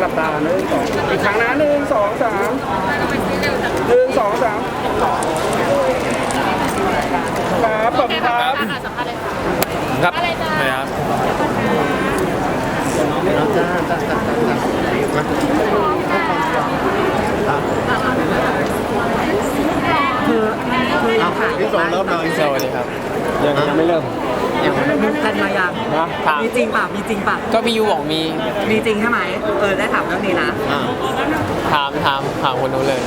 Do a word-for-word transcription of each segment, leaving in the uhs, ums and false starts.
หลับตาหนึ่งสองอีกครั้งนะหนึ่งสองสามหนึ่งสองสามครับขอบคุณครับครับนะครับคือคือเราถ่ายพี่โซเริ่มเลยสวัสดีครับยังยังไม่เริ่มอย่างมีกันมายังนะถามมีจริงป่ะมีจริงป่ะก็พี่ยูบอกมีมีจริงใช่ไหมเออได้ถามเรื่องนี้นะอ่าถามถามถามคนนู้นเลย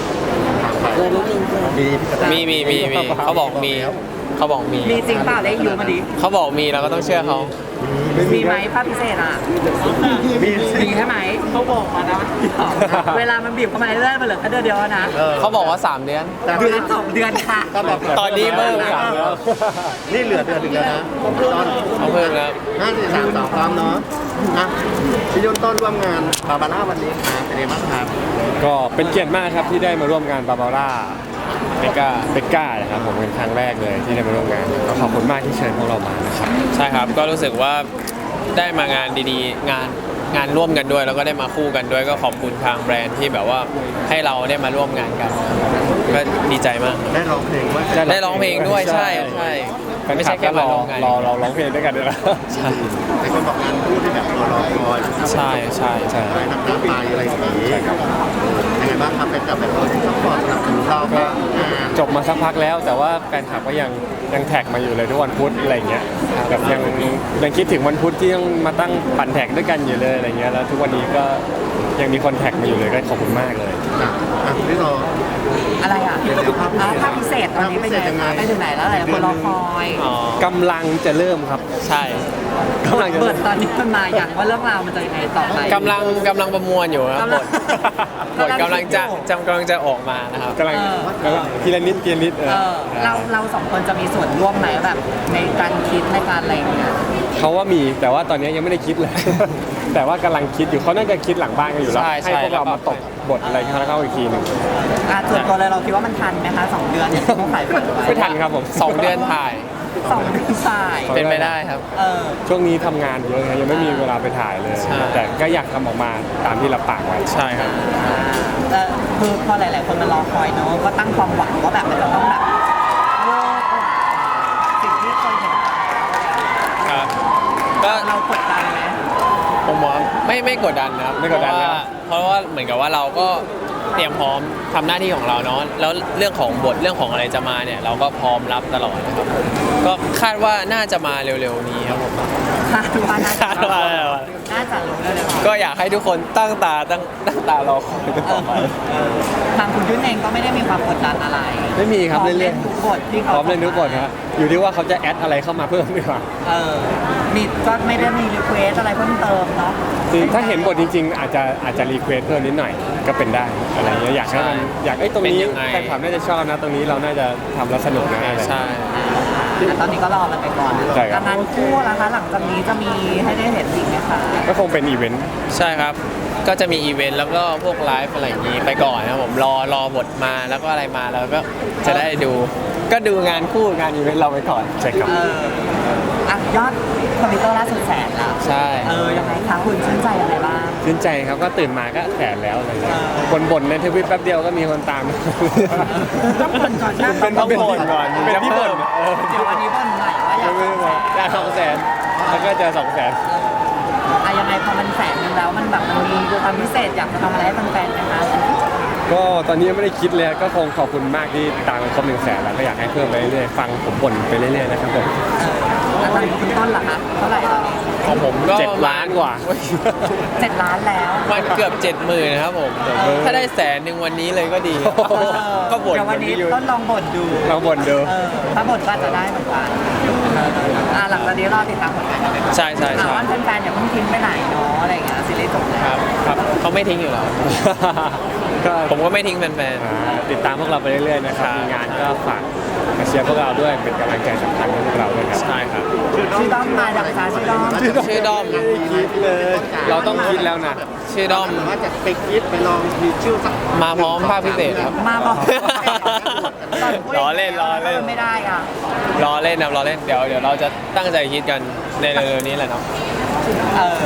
มีพี่กระต่ายมีมีมีมีเขาบอกมีเขาบอกมีมีจริงเปล่าได้ยูมาดิเขาบอกมีเราก็ต้องเชื่อเขามีไหมภาพพิเศษอ่ะมีสิมีใช่ไหมเขาบอกมานะเวลามันบีบเข้ามาเรื่อยๆมันเหลือแค่เดือนเดียวนะเออเขาบอกว่าสามเดือนแต่เดือนสองเดือนค่ะก็แบบตอนนี้เพิ่มสามแล้วนี่เหลือเดือนหนึ่งแล้วนะตอนเขาเพิ่มแล้วห้าสี่สามสองพร้อมเนาะอ่ะพี่ยุ่นต้นร่วมงานบาบาร่าวันนี้ครับเป็นไงบ้างครับก็เป็นเกียรติมากครับที่ได้มาร่วมงานบาบาร่าเบก้าเบก้านะครับผมเป็นครั้งแรกเลยที่ได้มาร่วมงานก็ขอบคุณมากที่เชิญพวกเรามานะครับใช่ครับ ก็รู้สึกว่าได้มางานดีๆ งานงานร่วมกันด้วย แล้วก็ได้มาคู่กันด้วย ก็ขอบคุณทางแบรนด์ที่แบบว่าให้เราได้มาร่วมงานกัน ก็ดีใจมากได้ร้องเพลงว่าได้ร้องเพลงด้วยใช่ใช่ไม่ใช่แค่มาร่วมงานรอเราร้องเพลงด้วยกันด้วยนะใช่ในคนบอกงานคู่ที่แบบตัวรอคอยใช่ใช่ใช่อะไรน้ำตาไปอะไรอย่างนี้ยังไงบ้างครับเป็นกับแบบคนที่ซัพพอร์ตสนับสนุนเราก็งานจบมาสักพักแล้ว แต่ว่าแฟนคลับก็ยังยังแท็กมาอยู่เลยทุกวันพุธอะไรเงี้ยแบบยังยังคิดถึงวันพุธที่ต้องมาตั้งปั่นแท็กด้วยกันอยู่เลยอะไรเงี้ยแล้วทุกวันนี้ก็ยังมีคนแท็กมาอยู่เลยก็ขอบคุณมากเลยอ่ะอ่ะพี่โซอะไรอ่ะเดี๋ยวภาพพิเศษอ่ะภาพพิเศษตอนนี้เป็นยังไงไปถึงไหนแล้วหลายคนรอคอยอ๋อกำลังจะเริ่มครับใช่กำลังจะเปิเริ่ดมตอนนี้มันมาอย่างว่าเรื่องราวมันจะยังไงต่อไปกำลังกำลังประมวลอยู่ครับกำบลังทบทกำลังจะจำกำลังจะออกมานะครับกำลังกำลังทีละนิดทีละนิดเอเอออเราเราสองคนจะมีส่วนร่วมไหมแบบในการคิดในการอะไรอย่างเงี้ยเขาว่ามีแต่ว่าตอนนี้ยังไม่ได้คิดเลย แต่ว่ากำลังคิดอยู่เขาน่าจะคิดหลังบ้านกันอยู่แล้วใช่ให้ใช่พวกเราแล้วก็มาตกบทอะไรเข้าอีกทีหนึ่งอ่ะส่วนตัวเลยเราคิดว่ามันทันไหมคะสองเดือนที่ต้องถ่ายไว้ไม่ทันครับผมสองเดือนถ่ายสองเดือนถ่ายเป็นไปได้ครับเออช่วงนี้ทำงานเยอะครับยังไม่มีเวลาไปถ่ายเลยใช่แต่ก็อยากทำออกมาตามที่รับปากไว้ใช่ครับอ่าแต่คือพอหลาย ๆ คนมารอคอยเนอะก็ตั้งความหวังว่าแบบมันจะต้องแบบเวอร์กว่าสิ่งที่เคยเห็นครับ ก็เรากดดันไหมผมว่าไม่ไม่กดดันนะครับไม่กดดันเพแล้ราะวว่าเพราะว่าเหมือนกับว่าเราก็เตรียมพร้อมทำหน้าที่ของเราเนาะแล้วเรื่องของบทเรื่องของอะไรจะมาเนี่ย เราก็พร้อมรับตลอดนะครับ ก็คาดว่าน่าจะมาเร็วๆนี้ครับผมคาดว่าน่าจะคาดว่าน่าจะรู้แล้วเลยก็อยากให้ทุกคนตั้งตาตั้งตั้งตารอคอยกันต่อไปทางคุณยุ่นเองก็ไม่ได้มีความกดดันอะไรไม่มีครับพร้อมเรื่เล่อยนๆทุกบทที่พเขาร้อมเล่นทุกบทครับอยู่ที่ว่าเขาจะแอดอะไรเข้ามาเพิ่มดีกว่าเออมีก็ไม่ได้มีรีเควสอะไรเพิ่มเติมเนาะคือถ้าเห็นบทจริงๆ อาจจะอาจจะรีเควสเพิ่มนิดหน่อยก็เป็นได้อะไรเงี้ยอยากให้มันอยากไอ้ยตรงนี้เป็นยังไงแฟนคลับน่าจะชอบนะ ตรงนี้เราน่าจะทำแล้วสนุกนะอะไรใช่อ่ะตอนนี้ก็รอมันไปก่อนใช่ครับการงานคู่นะคะ หลังจากนี้จะมีให้ได้เห็นอีกไหมคะก็คงเป็นอีเวนต์ใช่ครับ ก็จะมีอีเวนต์แล้วก็พวกไลฟ์อะไรอย่างนี้ไปก่อนนะครับผมรอรอบทมาแล้วก็อะไรมาแล้วก็จะได้ดู ก็ดูงานคู่งานอีเวนต์เราไปก่อนใช่ครับเอออ่ะยอดคอมพิวเตอร์ล่าสุดแสนแล้วใช่เออยังไงคะคุณชื่นใจอะไรบ้างชื่นใจครับก็ตื่นมาก็แสนแล้วอะไรเงี้ยเออคนบ่นในทวิตแป๊บเดียวก็มีคนตามต้องบ่นก่อนนะเป็นต้องบ่นก่อนเป็นที่บ่นเออเดี๋ยววันนี้บ่นหน่อยว่าอยากไม่ไม่ไม่ได้สองแสนแล้วก็เจอสองแสนอะยังไงพอมันแสนนึงแล้วมันแบบมันมีความพิเศษอยากจะทำอะไรให้แฟนๆไหมคะก็ตอนนี้ยังไม่ได้คิดเลยก็คงขอบคุณมากที่ตามกันครบหนึ่งแสนแล้วก็อยากให้เพิ่มไปเรื่อยๆฟังผมบ่นไปเรื่อยๆนะครับผมแล้วตอนนี้คุณต้นล่ะคะเท่าไหร่ตอนนี้ของผมก็เจ็ดล้านกว่าเจ็ดล้านแล้วมันเกือบเจ็ดหมื่นนะครับผม ถ้าได้แสนหนึ่งวันนี้เลยก็ดี ก็บ่นเดี๋ยววันนี้ต้นลองบ่นดูลองบ่นดูเออถ้าบ่นก็จะได้เหมือนกันอ่าหลังจากนี้รอติดตามผลงานกันไปก่อนใช่ใช่ถามใช่ว่าแฟนๆอย่าเพิ่งทิ้งไปไหนเนาะอะไรอย่างเงี้ยซีรีส์จบแล้วครับครับเขาไม่ทิ้งอยู่แล้วก็ผมก็ไม่ทิ้งแฟนอ่าติดตามพวกเราไปเรื่อยๆนะครับมีงานก็ฝากมาเชียร์พวกเราด้วยเป็นกำลังใจสำคัญให้พวกเราด้วยครับๆใช่ครับชื่อด้อมมาจากภาษาชื่อด้อมชื่อด้อมคิดเลย เราต้องคิดแล้วนะชื่อด้อมหรือว่าจะไปคิดไปลองมีชื่อสักมาพร้อมภาคพิเศษครับมาบอกล้อเล่นล้อเล่นไม่ได้อ่ะรอเล่นนะรอเล่นเดี๋ยวเดี๋ยวเราจะตั้งใจคิดกันในเร็วๆนี้แหละเนาะเออ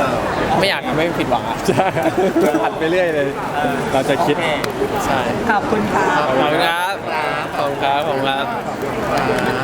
ไม่อยากทำให้ผิดหวังอะใช่ผัดไปเรื่อยเลย เราจะคิดโอเคใช่ขอบคุณค่ะขอบคุณครับขอบคุณครับขอบคุณครับครับ